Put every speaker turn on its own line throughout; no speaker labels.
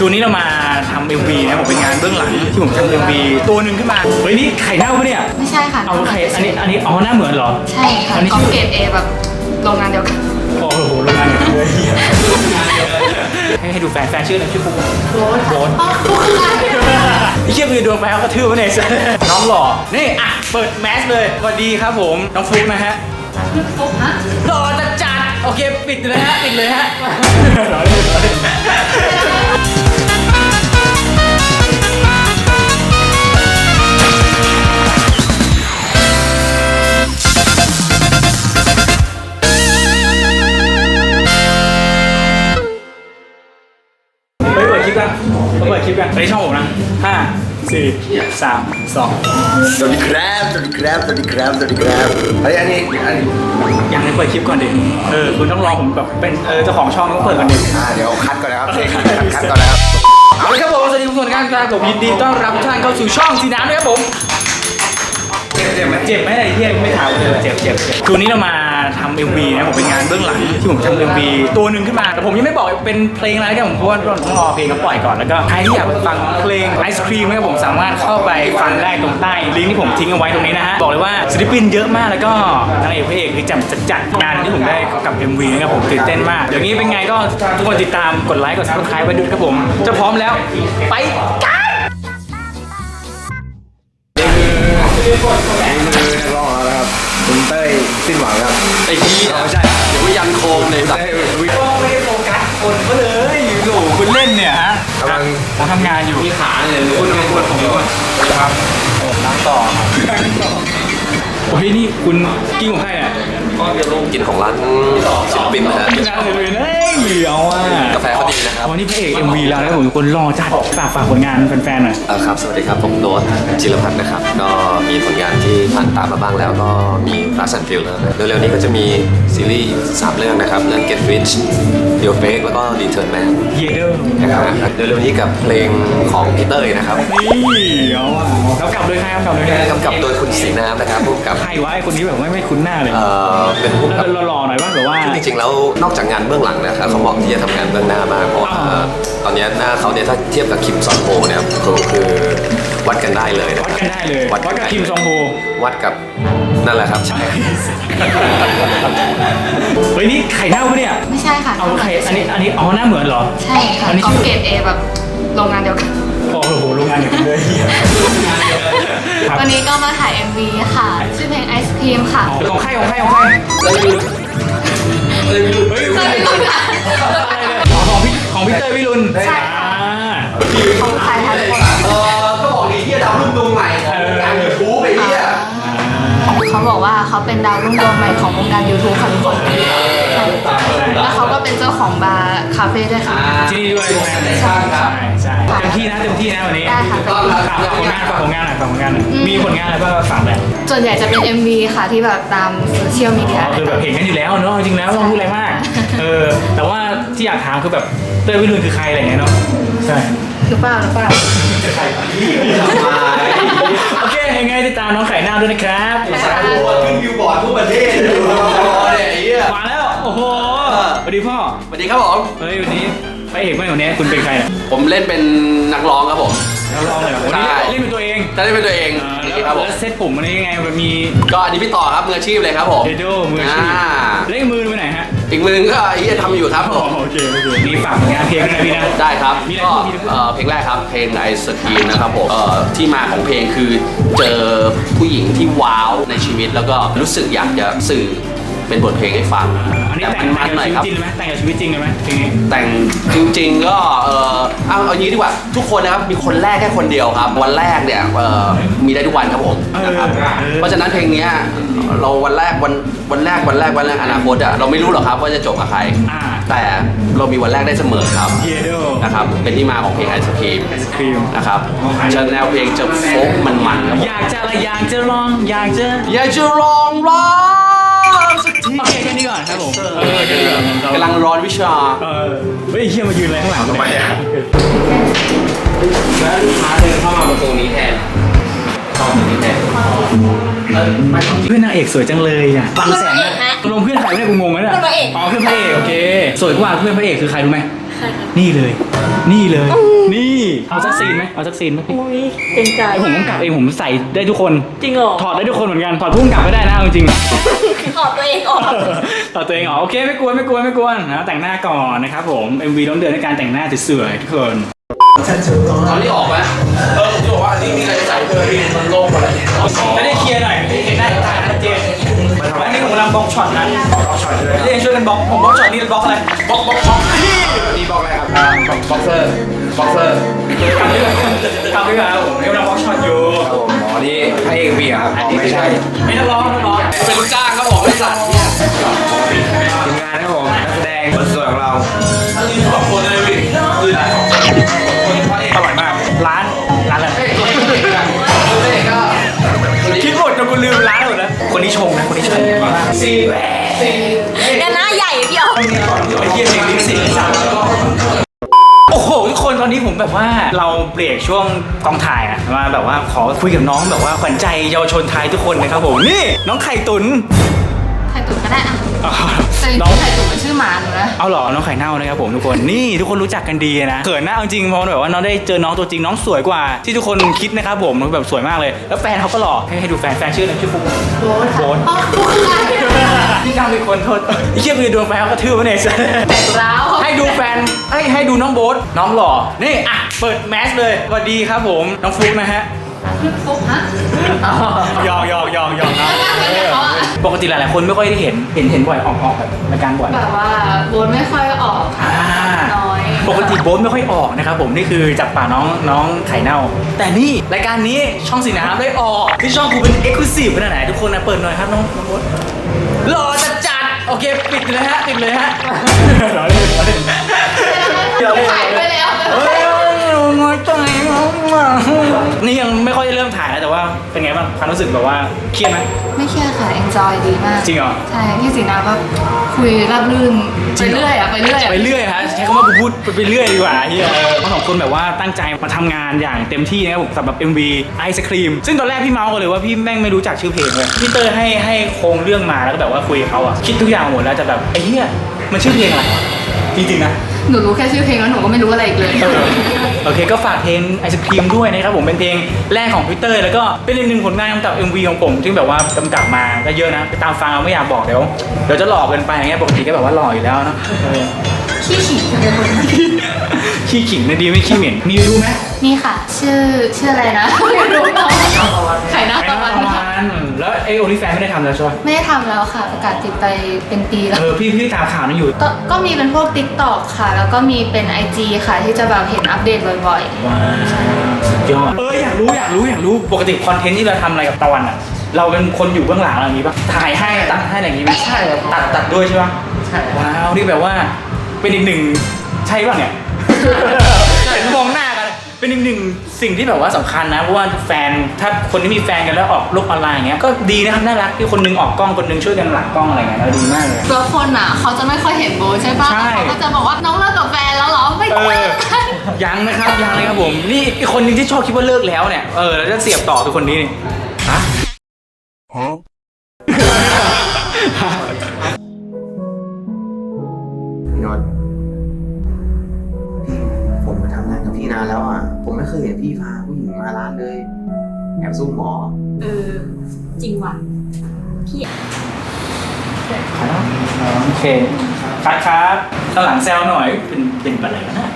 คือวันนี้เรามาทำ MV นะผมเป็นงานเบื้องหลังที่ผมทำ MV ตัวหนึ่งขึ้นมาเฮ้ยนี่ไข่เน่าปะเนี่ย
ไม่ใช่ค่ะ
เอาไข่อันนี้อ๋อหน้าเหมือนเหรอ
ใช่ค่ะกองเกรด A แบบโรงงานเดียวกัน
โอ้โหโรงงานเดียวกันเลยให้ดูแฟนชื่ออะไรชื่อปุ๊กโบ๊ท
ปุ๊กอะไร
ไอ้เชี่ยคือดวงแฟนเขากระทืบวะเนี่ยน้องหล่อนี่อ่ะเปิดแมสเลยสวัสดีครับผมน้องฟลุ๊กนะฮะ
ปุ๊กฮะ
หล่อจัดโอเคปิดเลยฮะปิดเลยฮะเปิดคลิปกันไปช่องผมนะ5 4 3 2
สวัสดีครับสวัสดีครับสวัสดีครับสวัสดีครับอันนี้
อย่างนี้เปิดคลิปก่อนดิคุณต้องรอผมแบบเป็นเจ้าของช่องต้องเปิดก่อนดิ
เดี๋ยวคัดก่อนนะครับคัดก่อนนะครับ
เอาเลยครับผมสวัสดีทุกคนครับผมยินดีต้อนรับทุกท่านเข้าสู่ช่องสีน้ำด้วยครับผมเจ็บไหมไอ้เหี้ยไม่ถามเลยเจ็บคือวันนี้เรามาทำ MV นะผมเป็นงานเบื้องหลังที่ผมทำ MV ตัวหนึ่งขึ้นมาแต่ผมยังไม่บอกเป็นเพลงอะไรกันผมเพราะว่าต้องรอเพลงเขาปล่อยก่อนแล้วก็ใครที่อยากฟังเพลงไอศครีมนะครับผมสามารถเข้าไปฟังได้ตรงใต้ลิงก์ที่ผมทิ้งเอาไว้ตรงนี้นะฮะบอกเลยว่าศิลปินเยอะมากแล้วก็นางเอกพระเอกคือจัดงานที่ผมได้กับ MV นะครับผมตื่นเต้นมากเดี๋ยวนี้เป็นไงก็ทุกคนติดตามกดไลค์กด Subscribe ไว้ด้วยครับผมจะพร้อมแล้วไปกัน
มือนักร้องแล้วครับคุณเต้ยสิ้นหวังครับ
ไอ้ที่ไม่ใช่เดี๋ยวยันโคมเลยสัตว์
ไม่ได้โฟกัสคนก็เลยโอ้โหคุณเล่นเนี่ยฮะผมทำงานอยู่
มีขาเลย
คุณครับล้างต่อโอ้ยนี่คุณกินของใครอ่ะ
กินของร้านศิลปินนะฮะ
ร้านเลยนะเอาอ่ะ
กาแฟเขาดีนะครับ
วันนี้พระเอก MV แล้วนะผมคนรอจัดฝากผลงานแฟนๆหน่อย
ครับสวัสดีครับผมโน้ตจิรพัฒน์นะครับก็มีผลงานที่ผ่านตามมาบ้างแล้วก็มีรักสันฟิลแล้วเร็วๆนี้ก็จะมีซีรีส์3เรื่องนะครับเรื่อง Get Rich Real Fake แล้วก็ Return Man
เยเดอร์
นะครับเร็วๆนี้กับเพลงของพีเตอร์นะครับ
นี่เอาอ่ะแล้วกลับเลยครับกลับ
โดยคุณสีน้ำนะครับผู้กำกับ
ใครวะไอ้คนนี้แบบไม่คุ้นหน้าเลย
เป็นผู้กำกับ
หล่อๆหน่อยบ้างหรือว่า
จริงๆแล้วนอกจากงานเบื้องหลังนะครับเขาบอกที่จะทำงานเบื้องหน้ามากเพราะตอนนี้หน้าเขาเนี่ยถ้าเทียบกับคิมซอนโฮเนี่ยคือวัดกันได้เลยนะ
วัดกันได้เลยวัดกับคิมซองโฮ
วัดกับนั่นแหละครับใช่
เฮ้ยนี่ไข่เน่าปะเนี่ย
ไม่ใช่ค่ะ
เอาไข่อันนี้อ๋อหน้าเหมือนเหรอ
ใช่ค่ะกองเกรด A แบบโรงงานเดียวกัน
โอ้โหโรงงานเดียวกันเลย
วันนี้ก็มาถ่าย MV ค่ะชื่อเพลงไอศครีมค่ะ
ของใคร
เลย
เฮ้ยของพี่เต้ยวิรุณ
ใช่ของใครคะทุกคน
ก็บอกดีที่ดาวรุ่งดวงใหม่ของการยูทูบไปเนี่ย
เขาบอกว่าเขาเป็นดาวรุ่งดวงใหม่ของวงการ YouTube ค่ะทุกคนแล้วเขาก็เป็นเจ้าของบาร์คาเฟ่ด้วยค่ะ
ที่นี่ด้วยใช่เต็มที่นะวันนี้
ได้ค่ะ
ฝากผลงานหน่อยมีผลงานอะไรบ้างฝากแบบ
ส่วนใหญ่จะเป็น MV ค่ะที่แบบตามโซเชียลมีเดีย
คือแบบเห็นกันอยู่แล้วเนาะจริงแล้วไม่ต้องพูดอะไรมากแต่ว่าที่อยากถามคือแบบเต้ยวิรุณคือใครอะไรเงี้ยเนาะใช่
หรือเปล่า
โอเคยังไงติดตามน้องไข่หน้าด้วยนะครับ
ขึ้นบิลบอร์ดทั่วประเทศ
มาแล้วโอ้โหสวัสดีพ่อ
สวัสดีครับผม
เฮ้ยวันนี้พระเอกไม่คนนี้คุณเป็นใครเนี่ย
ผมเล่นเป็นนักร้องครับผม
นักร้องเลยใช่เล่นเป็นตัวเอง
จะเล่นเป็นตัวเอง
ครับผมเซตผมมันยังไงมันมี
ก็อันนี้พี่ต่อครับมืออาชีพเลยครับผม
เดโดมืออาชีพเล่นมือไปไหนฮะ
อีกมือก็ที่จะทำอยู่ครับผม
โอเคนี่ฝากงานเพลงนะพี่นะ
ได้ครับก็เพลงแรกครับเพลงไอศกรีมนะครับผมที่มาของเพลงคือเจอผู้หญิงที่ว้าวในชีวิตแล้วก็รู้สึกอยากจะสื่อเป็นบทเพลงให้ฟัง
แต่มันหน่อยครับจริงไหมแต่งกับชีวิตจริงเลยไหมเพลงนี้
แต่งจริงๆก็เอางี้ดีกว่าทุกคนนะครับมีคนแรกแค่คนเดียวครับวันแรกเนี่ยมีได้ทุกวันครับผมนะครับเพราะฉะนั้นเพลงนี้เราวันแรกอนาคตเราไม่รู้หรอกครับว่าจะจบกับใครแต่เรามีวันแรกได้เสมอครับนะครับเป็นที่มาของเพลงไอศครีมนะครับแนวเพลงจะโฟกมันครับ
อยากจะลอง
อยากจะลองร้อง
โอเคแค่นี้ก่อนครับผม
กำลังร้อนวิชา
เฮ้ยเฮียมายืนอะไรข้างหลังทำไมอ่ะ
แล้วลูกค้าเดินเข้ามาประตูนี้แทนเข้าประตูนี้แทน
เพื่อนนางเอกสวยจังเลยอ่ะฟังแสงนะลงเพื่อนใครไม่ได้กูงงนะเนี่ยอ๋อเพื่อนพระเอกโอเคสวยกว่าเพื่อนพระเอกคือใครรู้ไหม
ช่ค่ะ
นี่เลย นี่เลย นี่เอาสักซีนไหมเอาสักซีนไหมพี่
อุ้ยเก่งใจ
ไอผมต้องกลับเองผมใส่ได้ทุกคน
จริงเหรอ
ถอดได้ทุกคนเหมือนกันถอดพุ่งกลับก็ได้นะเอาจริงๆ
ถอดตัวเองออก
ต่อตัวเองเหรอโอเคไม่กวนนะแต่งหน้าก่อนนะครับผม MV ต้องเดินในการแต่งหน้าสวยๆทุกคน
ตอนนี้ออกไหมผมจะบอกว่าอันนี้มีอะไรใส่เพิ่มที่มันโล่งกว่าอะไรเนี่ย
จะได้เคลียร์หน่อยเห็นได้ชัดเจนอันนี้ผมกำลังบล็อกช็อตนะบล็อกช็อตเลยเรียนช่วยกันบล็อกผมบล็อกช็อตนี่บล็อกอะไรบล็อก
นี่บอกอะไรครับบ็อกเซอร์
กลับด้วยกันครับผมกำลังบล็อกช็อตอยู่
อ๋อนี่ให้เอ็มวีครับอ๋อไม่ใช่
ไม่ต้องร้อง
เป็นลูกจ้างครับผมบริษัทเนี่ย
ทีมงานครับผมนักแสดงคนสวยของเรา
ขอบคุณเลยพี่คือ
อร่อยมากร้านอะไร
ก็
คิดหมดจนกูลืมร้านหมดแล้วคนนี้ชงนะคนนี้ชงซี
เนี่ยหน้าใหญ่พี่ออก
ไอ้เหี้ยเพลงนี้สิโอ้โหทุกคนตอนนี้ผมแบบว่าเราเบรกช่วงกองถ่ายอะมาแบบว่าขอคุยกับน้องแบบว่าขวัญใจเยาวชนไทยทุกคนนะครับผมนี่น้องไข่ตุ๋น
ไข่ตุ๋นก็ได้อะ
อ๋อ
แต่จริ
น้อง
งๆไข่ตุ๋นเป็นชื่อหมาหนูนะ
เอาเหรอน้องไข่เน่านะครับผมทุกคนนี่ทุกคนรู้จักกันดีนะเขินนะเอาจริงเพราะแบบว่าน้องได้เจอน้องตัวจริงน้องสวยกว่าที่ทุกคนคิดนะครับผมแบบสวยมากเลยแล้วแฟนเขาก็หล่อให้ดูแฟนชื่ออะไรชื่อฟุ๊ก
โบ๊ท
โบ๊ท
อ๋อฟุ๊กคืออะไร
นี่กำลังมีคนโทษไอ้เชี่ยคือโดนแฟนเขากระทืบวะเนี่ย
แตกร้าว
ให้ดูแฟนให้ดูน้องโบ๊ทน้องหล่อนี่อ่ะเปิดแมสเลยสวัสดีครับผมน้องฟุ๊กนะฮะ
ฟุ๊กฮะ
หยอกนะปกติหลายๆคนไม่ค่อยได้เห็นบ่อยออกแบบรายการบ่อย
แบบว่าโบ๊ทไม่ค่อยออกค่ะ น้อย
ปกติโบ๊ทไม่ค่อยออกนะครับผมนี่คือจับป่าน้องไข่เน่า แต่นี่รายการนี้ช่องสีน้ำได้ออกที่ช่องกูเป็นเอ็กซ์คลูซีฟขนาดไหนทุกคนนะเปิดหน่อยครับน้องโบ๊ทหล่อจัดโอเคปิดเลยฮะหล่อเลย
ถ่ายไปแล้ว
เฮ้ยงอยใจนี่ยังไม่ค่อยได้เริ่มถ่ายแล้วแต่ว่าเป็นไงบ้างความรู้สึกแบบว่าเครียดไหม
ไม่เครียดค่ะ enjoy ดีมาก
จริงเหรอ
ใช่ พี่สีน้ำก็คุยราบรื่น
จริ
ไป
งเหรอ
เรื่อยอะไปเรื่อยอะ
ไปเรื่อยฮะใช้คำว่ากูพูดไปเรื่อยดีกว่าเฮียทั้งสองคนแบบว่าตั้งใจมาทำงานอย่างเต็มที่นะครับผมสำหรับ MV ไอศครีมซึ่งตอนแรกพี่เมาส์กันเลยว่าพี่แม่งไม่รู้จักชื่อเพลงเลยพี่เตอร์ให้โครงเรื่องมาแล้วก็แบบว่าคุยกับเขาอะคิดทุกอย่างหมดแล้วจะแบบไอ้เหี้ยมันชื่อเพลงอะไรจริงๆนะ
หนูรู้แค่ชื่อเพลงแล้วหนูก็ไม่รู้อะไรอีกเลย
โอเคก็ฝากเพลงไอศครีมด้วยนะครับผมเป็นเพลงแรกของพีเตอร์แล้วก็เป็นอีกหนึ่งผลงานกำกับ MV ของผมที่แบบว่ากำกับมาก็เยอะนะไปตามฟังเอาไม่อยากบอกเดี๋ยวจะหลอกเกินไปอย่างเงี้ยปกติก็แบบว่าหล่ออยู่แล้วเนาะ
ขี้ขิง
ขี้ขิงนะดีไม่ขี้เหม็นมีรู้ไหม
นี่ค่ะ ชื่ออะไรนะไม่รู้น้องไข่หน้า
ไป
ตะ
นะ
วัน
ประมาณแล้วไอโอลิแฟนไม่ได้ทำแล้วใช่ไหม
ไม่ได้ทำแล้วค่ะประกาศติดไปเป็นปีแล้ว
พี่ตามข่าวนั้นอยู่
ก็มีเป็นพวก TikTok ค่ะ แล้วก็มีเป็น IG ค่ะ ที่จะแบบเห็นอัปเดตบ่อย
ว้าวสุดยอดอยากรู้ปกติคอนเทนต์ที่เราทำอะไรกับตะวันอ่ะเราเป็นคนอยู่เบื้องหลังอะไรอย่างงี้ป่ะถ่ายให้ตัดให้อะไรอย่างงี้ไหมใช่ตัดด้วยใช่ป่ะใช่ว้าวนี่แบบว่าเป็นอีกหนึ่งใช่ป่ะเนี่ย เห็นมองหน้ากันเป็นอีกหนึ่งสิ่งที่แบบว่าสำคัญนะเพราะว่าแฟนถ้าคนที่มีแฟนกันแล้วออกโลกออนไลน์อย่างเงี้ยก็ดีนะครับน่ารักที่คนนึงออกกล้องคนนึงช่วยกันหลังกล้องอะไรเงี้ยแล้วดีมากเลย
ๆแล้วคนอ่ะ เขาจะไม่ค่อยเห็นโบใช่ปะ
ใช่
เขาก็จะบอกว่าน้องเลิกกับแฟนแล้วเหรอ ไม่ใช่
ยังนะครับยังเลยครับผมนี่อีกคนนึงที่ชอบคิดว่าเลิกแล้วเนี่ยแล้วจะเสียบต่อคือคนนี้นี่ฮะ
พี่นนท์ผมมาทำงานกับพี่นานแล้วอ่ะ ผมไม่เคยเห็นพี่พาผู้หญิงมาร้านเลย แอบซุ่มหมอ
จริงว่ะ
โอเคครับข้างหลังแซวหน่อยเป็นอะไรกันนะ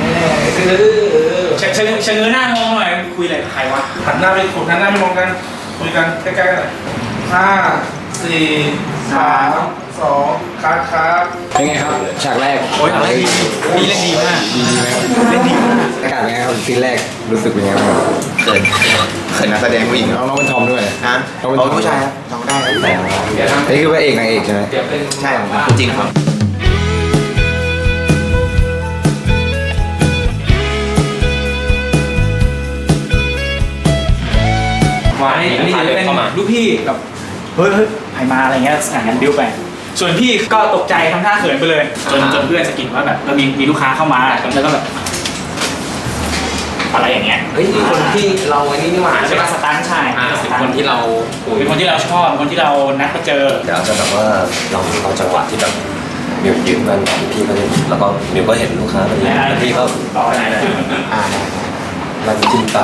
เชิงหน้ามองหน่อยคุยอะไรกับใครวะ
หันหน้าไปคุยหันหน้าไปมองกันคุยกันใกล้ๆกันหน่อย5 4 3 2ครับ
เป็นไงครับ ฉากแรก
โอ้ยอะไรดีเล่นดีมาก
ดีไหมครับ
เล่นดีมาก
อากาศเป็นไงครับซีนแรกรู้สึกเป็นไงบ้างครับเขินนักแสดงผู้หญิงน้องเป็นทอมด้วยฮะน้องเป็นผู้ชายครับน้องได้ครับนี่คือพระเอกนางเอกใช่ไหมใช่ครับจริงครับ
อันนี้จะเป็นลูกพี่กับเฮ้ยใครมาอะไรเงี้ยสถานการณ์บิ้วไปส่วนพี่ก็ตกใจทำท่าเขินไปเลยจนเพื่อนสะกิดว่าแบบมีลูกค้าเข้ามาแล้วก็แบบอะไรอย่างเงี้ย
เฮ้ยคนที่เราไอ้นี่นี่หว่า
เป็นสตาร์ทชาย
เป็นคนที่เราคุย
เป็นคนที่เราชอบเป็นคนที่เรานัดมาเจอ
เดี๋ยวจะแบบว่าเราจังหวะที่แบบ
มิวยืนมันพี่ก็เล่นแล้วก็มิวก็เห็นลูกค้าพอดีแล้วพี่ก็
ต่อไหนเลย
มันจิ้มตา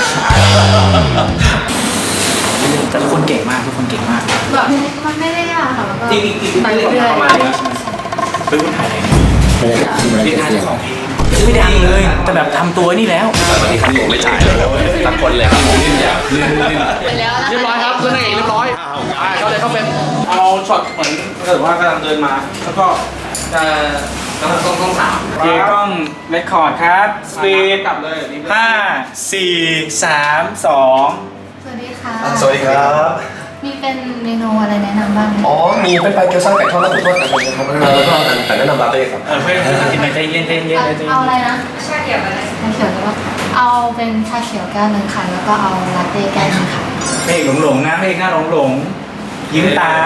แต่ทุกคนเก่งมากทุกคนเก่งมาก
แบบมันไม่ได้ยากค่ะแล้วก็
จริงๆ
ไปเรื่อย
เป็นคนถ่ายอะไร
ไม่ได้การไม่
เรียน
ได้
ทาน
เสียง
ของไม่ดังเลยแต่แบบทำตัวนี่แล้ว
วันนี้ครับผมไม่จ่ายเลยสักคนเลยครับผม
ไปแล้วนะ
เรียบร้อยครับเรื่องเองเรียบร้อยเขาเลยเขาเป็น
เอาช็อตเหมือนถ้าเกิดว่ากำลังเดินมา แล้วก็จะ
ต้องถาม
โอเคกล้องเรคคอร์ดครับสปีด
กลับเลยนี่
5 4 3 2
สวัสดีค่ะ
สวัสดีครับ
มีเป็นเมนูอะไรแนะนำบ้างไหม
อ๋อมีเป็นปลาเกี๊ยวซ่าไก่ทอดแล้วผมทอดกันเลยครับแล้วก็แต่แนะนำลาเต้ครับ
เพื่อนกินหน่อยใจเย็นใจเย็นใจเย็น
เอาอะไรนะชาเขียวอะไรชาเขียวแล้วก็เอาเป็นชาเขียวแก้วหนึ่งค่ะแล้วก็เอาลาเต้แก้วหนึ่งค่ะ
เพลงหลงๆนะเพลงหน้าหลงยิ้มตาม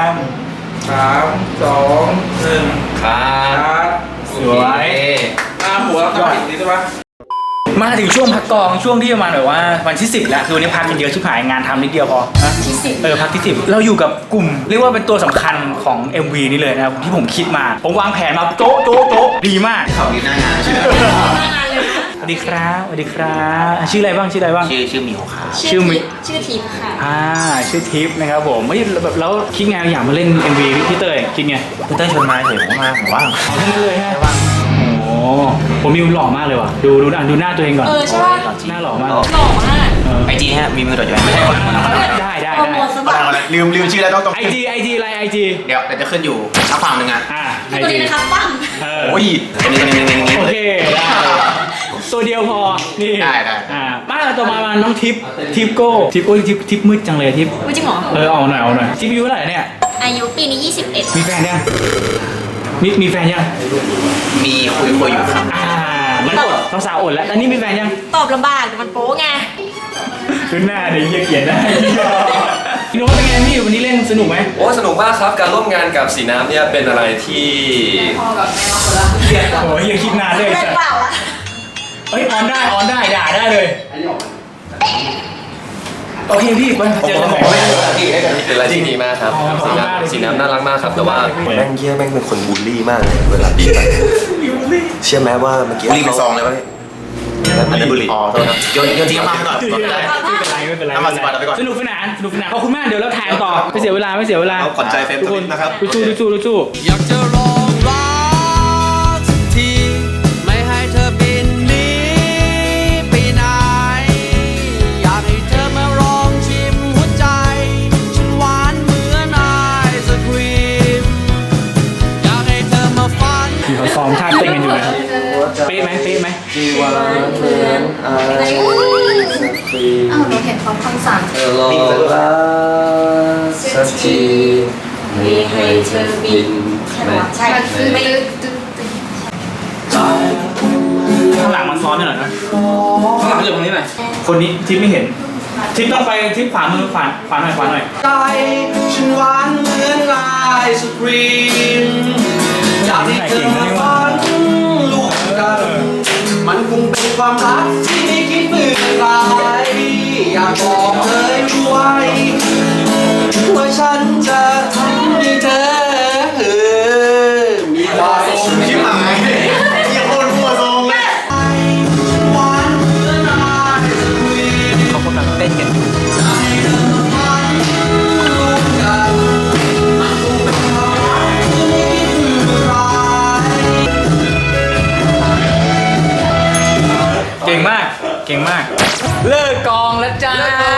3 2 1
ครับ
สวย
หัวเราปิดนี้ใช่ปะ
มาถึงช่วงพักกองช่วงที่ประมาณแบบว่าวันที่ 10 แล้วคือวันนี้พักกันเยอะชิบหายงานทำนิดเดียวพอนะ
ที่สิบ
พักที่ 10 เราอยู่กับกลุ่ม เรียกว่าเป็นตัวสำคัญของ MV นี้เลยนะครับที่ผมคิดมา ผมวางแผนมาโจ๊ะโจ๊ะโจ๊ะดีมาก
เขายืนหน้างานใช่ไหม
สวัสดีครับสวัสดีครับชื่ออะไรบ้างชื่ออะไรบ้าง
ชื่อมิวค่ะ
ชื่อมิ
ชื่อทิพย์ค่ะ
ชื่อทิปนะครับผมไม่แบบแล้วคิดไงอยากมาเล่น MV พี่เต้ยคิดไง
พี่เต้ยชวนมาเฉยผมมาผมว่าง
เอาทั้งนั้นเลยฮะโอ้โหผมมิวหล่อมากเลยว่ะดูหน้าตัวเองก่อน
ใช่ป่ะ
หน้าหล่อมาก
หล่อมาก
ไอจีฮะมีมือต่ออยู่ไม่ใช่
ได้
โปรโมทสบัด
ลืมชื่อแล้วต้อง
ไอจีอะไรไอจี
เดี๋ยวจะขึ้นอยู่ข้างฝั่งหนึ่งอ่ะ
ไอ
ตัว
จี
นี้นะคะปั้ง
โอ้ยอันนี้
โอเคได้ตัวเดียวพอนี่
ได้
มาต่อมาน้องทิปโก้ทิปมืดจังเลยทิป
จริงเหรอ
เอาหน่อยทิปอายุเท่าไหร่เนี่ย
อายุปีนี้ 21
มีแฟนยังมีแฟนยัง
มีคุยอยู่ครับ
มันอดสาวๆอดแล้วอันนี้มีแฟนยัง
ตอบลำบากแต่มันโป๊ไง
ขึ้นหน้าเดี๋ยวเกียดได้พี่โน้ตเป็นไงพี่วันนี้เล่นสนุกไหม
โอ้สนุกมากครับการร่วมงานกับสีน้ำเนี่ยเป็นอะไรที่
โอ้ยยังคิดนานเลย
เล่นเปล่าละ
เฮ้ยออนได้ด่าได้เลยโอเคพี่ไปเจอกันใหม่
เป็นอะไรที่ดีมากครับสีน้ำน่ารักมากครับแต่ว่าแม่งเยี่ยแม่งเป็นคนบูลลี่มากเลยเวลาบีบเชื่อไหมว่าเมื่อกี้
บุรีเป็นซองเลยวะพี่
อันนี้บุหรี่
อ๋อโทษครับโยนทิ้งมาให้ก่อน
ไม่เป็นไร
น้ำมันสปาร์ตเอาไปก่อน
สนุกสนานขอบคุณมากเดี๋ยวเราถ่ายต่อไม่เสียเวลา
เอาขวัญใจแฟน
ทุกคน
นะครับ
สู้
อยากจะลองรักสักทีไม่ให้เธอบินหนีไปไหนอยากให้เธอมาลองชิมหัวใจฉันหวานเหมือนไอศครีมอยากให้เธอมาฝัน
มีเขาซ้อมท่าเต้นกันอยู่นะครับเป๊ะไหม
หวานเหมือนไอศครีม
อ้าวเราเห็นเขาคำสั่ง
เธอลองรักสักทีไม่ให้เธอบินไป
ใช่ไม่ลึก
ข้างหลังมันซ้อนหน่อยนะข้างหลังอยู่ตรงนี้หน่อยคนนี้ทิปไม่เห็นทิปต้องไปทิปขวามือขวาหน่อย
ใจฉันหวานเหมือนไอศครีมอยากให้เธอมาฝันร่วมกันมันคงเป็นความรักที่ไม่คิดเบื่อคลายอยากบอกเธอด้วยว่าฉันจะทำให้เธอมีความสุข
ชิบหายยังโคตรหัวทรงเลย
หวานเหมือนไอศครีม
เขากำลังเต้นกัน เก่งมาก เลิกกองแล้วจ้า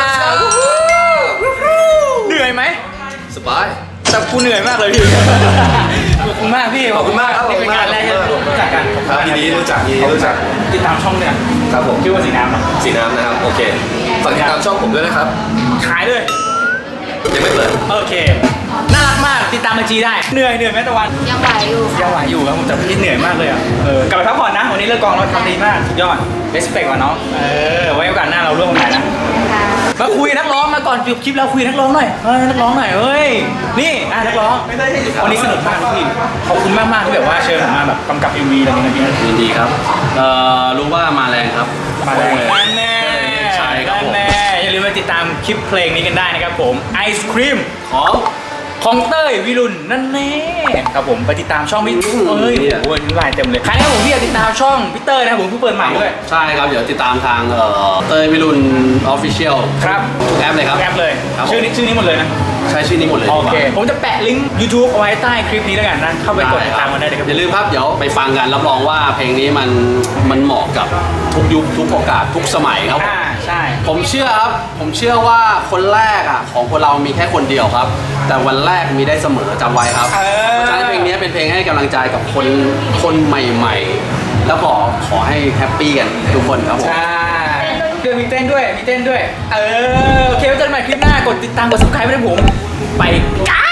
เหนื่อยไหม
สบาย
แต่กูเหนื่อยมากเลยพี่ ขอบคุณมากพี่
ขอบคุณมากครับ
นี่เป็นงานแรกที่รู้จักกัน
ครับยินดีรู้จัก
ติดตามช่องเนี่ย
ครับผม
ชื่อว่าสีน้ำนะ
สีน้ำนะครับโอเคฝากติดตามช่องผมด้วยนะครับ
ขายเลย
ยังไม่เปิด
โอเค น่ารักมาก ติดตามไอจีได้ เหนื่อยไหมตะวัน
ยังไหวอยู่
ยังไหวอยู่ครับผมแต่พี่เหนื่อยมากเลยอ่ะ กลับไปพักผ่อนนะ วันนี้เลิกกองเราทำดีมาก สุดยอด respect ว่ะน้อง ไว้โอกาสหน้าเราร่วมกันใหม่นะ มาคุยนักร้องมาก่อนจบคลิปเราคุยนักร้องหน่อยนักร้องหน่อยเฮ้ย นี่นักร้องวันนี้สนุกมากพี่ ขอบคุณมากๆที่แบบว่าเชิญผมมาแบบกำกับ MV อะไรอย่างเงี้ย
ยินดีครับ รู้ว่ามาแรงครับ
มาเลยนั่นแน่
ใช่ครับผม
นั่นแน่อย่าลืมไปติดตามคลิปเพลงนี้กันได้นะครับผมไอศครีมของของเต้ยวิรุณนั่นแน่ครับผมไปติดตามช่องพี่เอ้ยโอ้โหลายเต็มเลยใครนะครับผมที่อยากติดตามช่องพี่เต้ยนะครับผมเพิ่งเปิดใหม่ด้วย
ใช่ครับเดี๋ยวติดตามทางเต้ยวิรุณออฟฟิเชียล
ครับ
ทุกแอปเลยครับ
แอปเลย
ครับ
ชื่อนี้หมดเลยนะ
ใช้ชื่อนี้หมดเลย
โอเคผมจะแปะลิงก์ YouTube เอาไว้ใต้คลิปนี้แล้วกันนะเข้าไปกดติดตามกันได้เลยครับ
อย่าลืมครับเดี๋ยวไปฟังกันรับรองว่าเพลงนี้มันเหมาะกับทุกยุคทุกโอกาสทุกสมัยครับ
ใช่
ผมเชื่อครับผมเชื่อว่าคนแรกอ่ะของคนเรามีแค่คนเดียวครับ แต่วันแรกมีได้เสมอจำไว้ครับเพราะฉะนั้นเพลงนี้เป็นเพลงให้กำลังใจกับคนใหม่ๆ แล้วขอให้แฮปปี้กันทุกคนครับผม
ใช่มีเต้นด้วยโอเคไว้เจอกันใหม่คลิปหน้ากดติดตามกด subscribe ไว้ด้วยผมไปกัน